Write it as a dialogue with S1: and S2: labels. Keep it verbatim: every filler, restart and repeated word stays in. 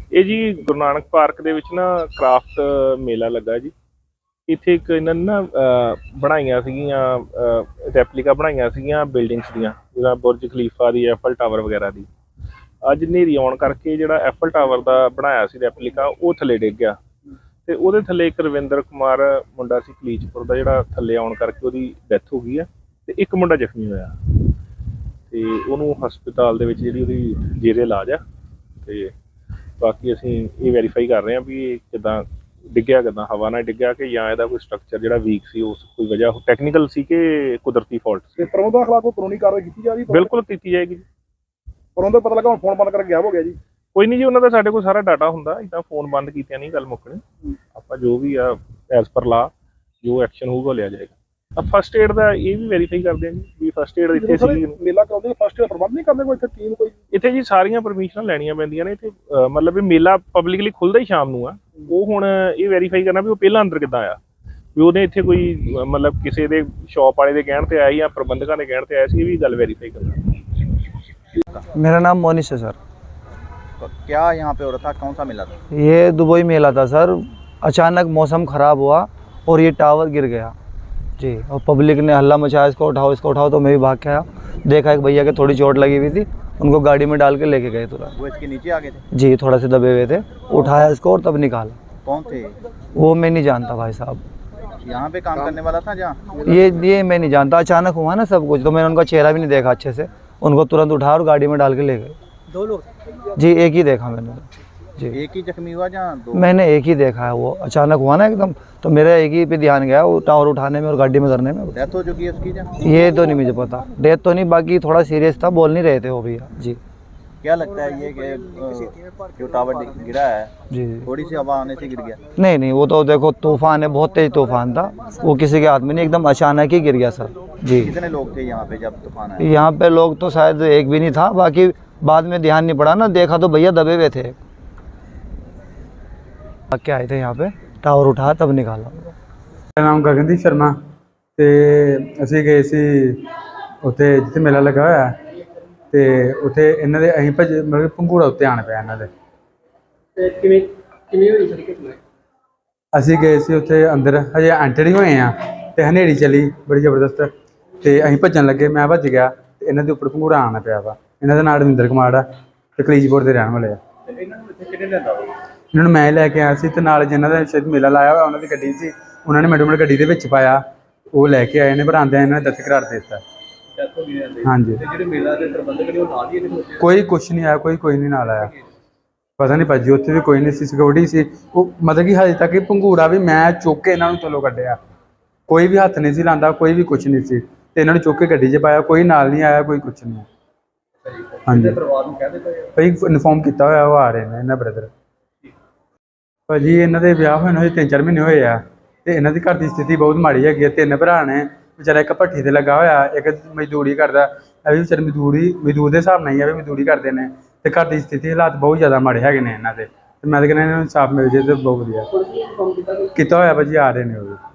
S1: ਇਹ ਜੀ ਗੁਰੂ ਨਾਨਕ ਪਾਰਕ ਦੇ ਵਿੱਚ ਨਾ ਕ੍ਰਾਫਟ ਮੇਲਾ ਲੱਗਾ ਜੀ। ਇੱਥੇ ਇੱਕ ਇਹਨਾਂ ਨੇ ਨਾ ਬਣਾਈਆਂ ਸੀਗੀਆਂ ਰੈਪਲੀਕਾ ਬਣਾਈਆਂ ਸੀਗੀਆਂ ਬਿਲਡਿੰਗਸ ਦੀਆਂ, ਜਿੱਦਾਂ ਬੁਰਜ ਖਲੀਫਾ ਦੀ, ਐਫਲ ਟਾਵਰ ਵਗੈਰਾ ਦੀ। ਅੱਜ ਹਨੇਰੀ ਆਉਣ ਕਰਕੇ ਜਿਹੜਾ ਐਫਲ ਟਾਵਰ ਦਾ ਬਣਾਇਆ ਸੀ ਰੈਪਲੀਕਾ ਉਹ ਥੱਲੇ ਡਿੱਗ ਗਿਆ ਤੇ ਉਹਦੇ ਥੱਲੇ ਇੱਕ ਰਵਿੰਦਰ ਕੁਮਾਰ ਮੁੰਡਾ ਸੀ ਕਲੀਚਪੁਰ ਦਾ, ਜਿਹੜਾ ਥੱਲੇ ਆਉਣ ਕਰਕੇ ਉਹਦੀ ਡੈਥ ਹੋ ਗਈ ਹੈ ਤੇ ਇੱਕ ਮੁੰਡਾ ਜ਼ਖਮੀ ਹੋਇਆ ਤੇ ਉਹਨੂੰ ਹਸਪਤਾਲ ਦੇ ਵਿੱਚ ਜਿਹੜੀ ਉਹਦੀ ਜੇਰੇ ਇਲਾਜ ਆ। ਤੇ ਬਾਕੀ ਅਸੀਂ ਇਹ ਵੈਰੀਫਾਈ ਕਰ ਰਹੇ ਹਾਂ ਵੀ ਇਹ ਕਿੱਦਾਂ ਡਿੱਗਿਆ, ਕਿੱਦਾਂ ਹਵਾ ਨਾਲ ਡਿੱਗਿਆ ਕਿ ਜਾਂ ਇਹਦਾ ਕੋਈ ਸਟਰਕਚਰ ਜਿਹੜਾ ਵੀਕ ਸੀ, ਉਸ ਕੋਈ ਵਜ੍ਹਾ ਟੈਕਨੀਕਲ ਸੀ ਕਿ ਕੁਦਰਤੀ ਫਾਲਟ ਸੀ।
S2: ਪ੍ਰਬੰਧਕਾਂ ਖਿਲਾਫ ਕੋਈ ਕਾਨੂੰਨੀ ਕਾਰਵਾਈ ਕੀਤੀ ਜਾ ਰਹੀ ਹੈ?
S1: ਬਿਲਕੁਲ ਕੀਤੀ ਜਾਏਗੀ ਜੀ।
S2: ਪ੍ਰਬੰਧਕ ਪਤਾ ਲੱਗਾ ਹੁਣ ਫੋਨ ਬੰਦ ਕਰਕੇ ਗਾਇਬ ਹੋ ਗਿਆ ਜੀ।
S1: ਕੋਈ ਨਹੀਂ ਜੀ, ਉਹਨਾਂ ਦਾ ਸਾਡੇ ਕੋਲ ਸਾਰਾ ਡਾਟਾ ਹੁੰਦਾ, ਇੱਦਾਂ ਫੋਨ ਬੰਦ ਕੀਤਿਆਂ ਨਹੀਂ ਗੱਲ ਮੁੱਕਣੀ। ਆਪਾਂ ਜੋ ਵੀ ਆ ਐਜ਼ ਪਰ ਲਾ ਜੋ ਐਕਸ਼ਨ ਹੋਊਗਾ ਲਿਆ ਜਾਏਗਾ। ਫਸਟ ਏਡ ਦਾ ਇਹ ਵੀ ਵੈਰੀਫਾਈ ਕਰਦੇ ਆ ਜੀ ਵੀ ਫਸਟ ਏਡ ਇੱਥੇ ਸੀ।
S2: ਮੇਲਾ ਕਰਾਉਂਦੇ ਫਸਟ ਏਡ ਪ੍ਰਬੰਧ ਨਹੀਂ ਕਰਦੇ ਕੋਈ ਇੱਥੇ ਟੀਮ ਕੋਈ?
S1: ਇੱਥੇ ਜੀ ਸਾਰੀਆਂ ਪਰਮਿਸ਼ਨਾਂ ਲੈਣੀਆਂ ਪੈਂਦੀਆਂ ਨੇ ਇੱਥੇ, ਮਤਲਬ ਇਹ ਮੇਲਾ ਪਬਲਿਕਲੀ ਖੁੱਲ੍ਹਦਾ ਹੀ ਸ਼ਾਮ ਨੂੰ ਆ। ਉਹ ਹੁਣ ਇਹ ਵੈਰੀਫਾਈ ਕਰਨਾ ਵੀ ਉਹ ਪਹਿਲਾਂ ਅੰਦਰ ਕਿੱਦਾਂ ਆਇਆ, ਵੀ ਉਹਨੇ ਇੱਥੇ ਕੋਈ ਮਤਲਬ ਕਿਸੇ ਦੇ ਸ਼ੌਪ ਵਾਲੇ ਦੇ ਕਹਿਣ ਤੇ ਆਇਆ ਜਾਂ ਪ੍ਰਬੰਧਕਾਂ ਦੇ ਕਹਿਣ ਤੇ ਆਇਆ ਸੀ, ਇਹ ਵੀ ਗੱਲ ਵੈਰੀਫਾਈ करना।
S3: मेरा नाम मोनिश है सर।
S4: तो क्या यहाँ पे हो रहा था, कौन सा मेला था?
S3: ये दुबई मेला था सर। अचानक मौसम ख़राब हुआ और ये टावर गिर गया जी, और पब्लिक ने हल्ला मचाया, इसको उठाओ इसको उठाओ। तो मैं भी भाग के आया, देखा एक भैया के थोड़ी चोट लगी हुई थी, उनको गाड़ी में डाल के लेके गए तुरंत।
S4: वो इसके नीचे आ गए थे?
S3: जी, थोड़ा से दबे हुए थे, उठाया इसको और तब निकाला।
S4: कौन थे
S3: वो मैं नहीं जानता भाई साहब,
S4: यहाँ पे काम करने वाला था जहाँ?
S3: ये ये मैं नहीं जानता, अचानक हुआ ना सब कुछ, तो मैंने उनका चेहरा भी नहीं देखा अच्छे से। उनको तुरंत उठाया और गाड़ी में डाल के ले गए।
S4: दो लोग?
S3: जी, एक ही देखा मैंने जी।
S4: एक ही जख्मी हुआ जहाँ दो?
S3: मैंने एक ही देखा है, वो अचानक हुआ ना एकदम, तो मेरा एक ही पे ध्यान गया वो टावर उठाने में और गाड़ी में धरने में।
S4: डेथ हो चुकी है उसकी जहाँ?
S3: ये तो नहीं मुझे पता, डेथ तो नहीं, बाकी थोड़ा सीरियस था, बोल नहीं रहे थे वो भैया जी।
S4: क्या लगता है ये कि जो टावर गिरा है
S3: जी
S4: थोड़ी सी हवा आने से गिर गया?
S3: नहीं नहीं, वो तो देखो तूफान है, बहुत तेज तूफान था, वो किसी के हाथ में नहीं, एकदम अचानक ही गिर गया सर जी।
S4: कितने लोग थे यहाँ पे जब तूफान आया?
S3: यहाँ पे लोग तो शायद एक भी नहीं था, बाकी बाद में ध्यान नहीं पड़ा ना, देखा तो भैया दबे हुए थे। क्या आए थे यहाँ पे, टावर उठाया तब निकाला।
S5: मेरा नाम गगनदीप शर्मा ਤੇ ਅਸੀਂ ਗਏ ਸੀ ਉੱਥੇ ਜਿੱਥੇ ਮੇਲਾ ਲੱਗਾ ਹੋਇਆ ਤੇ ਉੱਥੇ ਇਹਨਾਂ ਦੇ ਅਸੀਂ ਭੱਜ ਮਤਲਬ ਪੰਘੂੜਾ ਉੱਤੇ ਆਣ ਪਿਆ ਇਹਨਾਂ ਦੇ।
S2: ਤੇ ਕਿਵੇਂ ਕਿਵੇਂ ਹੋਈ ਸਰ ਘਟਨਾ?
S5: ਅਸੀਂ ਗਏ ਸੀ ਉੱਥੇ ਅੰਦਰ, ਹਜੇ ਐਂਟਰ ਹੀ ਹੋਏ ਆ ਤੇ ਹਨੇਰੀ ਚੱਲੀ ਬੜੀ ਜ਼ਬਰਦਸਤ ਤੇ ਅਸੀਂ ਭੱਜਣ ਲੱਗੇ, ਮੈਂ ਭੱਜ ਗਿਆ ਤੇ ਇਹਨਾਂ ਦੇ ਉੱਪਰ ਪੰਘੂੜਾ ਆਉਣਾ ਪਿਆ ਵਾ। ਇਹਨਾਂ ਦਾ ਨਾਮ ਰਵਿੰਦਰ ਕੁਮਾਰ ਆ ਤੇ ਕਲੀਚਪੁਰ ਦੇ ਰਹਿਣ ਵਾਲੇ ਆ।
S2: ਇਹਨਾਂ ਨੂੰ ਇੱਥੇ ਕਿਹਨੇ ਲਿਆਂਦਾ?
S5: ਇਹਨਾਂ ਨੂੰ ਮੈਂ ਲੈ ਕੇ ਆਇਆ ਸੀ ਤੇ ਨਾਲ ਜਿਨ੍ਹਾਂ ਦਾ ਸ਼ਾਇਦ ਮੇਲਾ ਲਾਇਆ ਹੋਇਆ ਉਹਨਾਂ ਦੀ ਗੱਡੀ ਸੀ, ਉਹਨਾਂ ਨੇ ਮੈਡਮ ਮੈਡਮ ਗੱਡੀ ਦੇ ਵਿੱਚ ਪਾਇਆ, ਉਹ ਲੈ ਕੇ ਆਏ ਨੇ, ਪਰ ਆਉਂਦਿਆਂ ਇਹਨਾਂ ਨੇ ਦਸਤ ਕਰਾਰ ਦੇ ਦਿੱਤਾ। ਹਾਂਜੀ,
S2: ਜਿਹੜੇ ਮੇਲਾ ਦੇ ਪ੍ਰਬੰਧਕ ਨੇ ਉਹ ਨਾਲ ਹੀ ਇਹਦੇ
S5: ਕੋਈ ਕੁਛ ਨਹੀਂ ਆਇਆ, ਕੋਈ ਕੋਈ ਨਹੀਂ ਨਾਲ ਆਇਆ, ਪਤਾ ਨਹੀਂ ਭਾਜੀ ਉੱਥੇ ਵੀ ਕੋਈ ਨਹੀਂ ਸੀ, ਸਿਕਿਉਰਿਟੀ ਸੀ ਉਹ। ਮਤਲਬ ਕਿ ਹਜੇ ਤੱਕ ਇਹ ਪੰਘੂੜਾ ਵੀ ਮੈਂ ਚੁੱਕ ਕੇ ਇਹਨਾਂ ਨੂੰ ਥੱਲੋਂ ਕੱਢਿਆ, ਕੋਈ ਵੀ ਹੱਥ ਨਹੀਂ ਸੀ ਲਾਉਂਦਾ, ਕੋਈ ਵੀ ਕੁਛ ਨਹੀਂ ਸੀ, ਤੇ ਇਹਨਾਂ ਨੂੰ ਚੁੱਕ ਕੇ ਗੱਡੀ 'ਚ ਪਾਇਆ, ਕੋਈ ਨਾਲ ਨਹੀਂ ਆਇਆ, ਕੋਈ ਕੁਛ ਨਹੀਂ। ਹਾਂਜੀ,
S2: ਪਰਿਵਾਰ ਨੂੰ ਕਹਿ ਦਿੱਤਾ
S5: ਭਾਈ ਇਨਫੋਰਮ ਕੀਤਾ ਹੋਇਆ, ਉਹ ਆ ਰਹੇ ਨੇ ਇਹਨਾਂ ਬ੍ਰਦਰ। ਭਾਜੀ ਇਹਨਾਂ ਦੇ ਵਿਆਹ ਹੋਏ ਨੂੰ ਹਜੇ ਤਿੰਨ ਚਾਰ ਮਹੀਨੇ ਹੋਏ ਆ ਤੇ ਇਹਨਾਂ ਦੀ ਘਰ ਦੀ ਸਥਿਤੀ ਬਹੁਤ ਮਾੜੀ ਹੈਗੀ ਹੈ। ਤਿੰਨ ਭਰਾ ਨੇ, ਵਿਚਾਰਾ ਇੱਕ ਭੱਠੀ ਤੇ ਲੱਗਾ ਹੋਇਆ, ਇੱਕ ਮਜ਼ਦੂਰੀ ਕਰਦਾ, ਇਹ ਵੀ ਵਿਚਾਰੇ ਮਜ਼ਦੂਰੀ ਮਜ਼ਦੂਰ ਦੇ ਹਿਸਾਬ ਨਾਲ ਹੀ ਆ ਵੀ ਮਜ਼ਦੂਰੀ ਕਰਦੇ ਨੇ, ਤੇ ਘਰ ਦੀ ਸਥਿਤੀ ਹਾਲਾਤ ਬਹੁਤ ਜ਼ਿਆਦਾ ਮਾੜੇ ਹੈਗੇ ਨੇ ਇਹਨਾਂ ਦੇ। ਤੇ ਮੈਂ ਤਾਂ ਕਹਿੰਦਾ ਇਹਨਾਂ ਨੂੰ ਇਨਸਾਫ ਮਿਲ ਜੇ ਤਾਂ ਬਹੁਤ ਵਧੀਆ। ਕੀਤਾ ਹੋਇਆ ਭਾਜੀ, ਆ ਰਹੇ ਨੇ ਉਹ ਵੀ।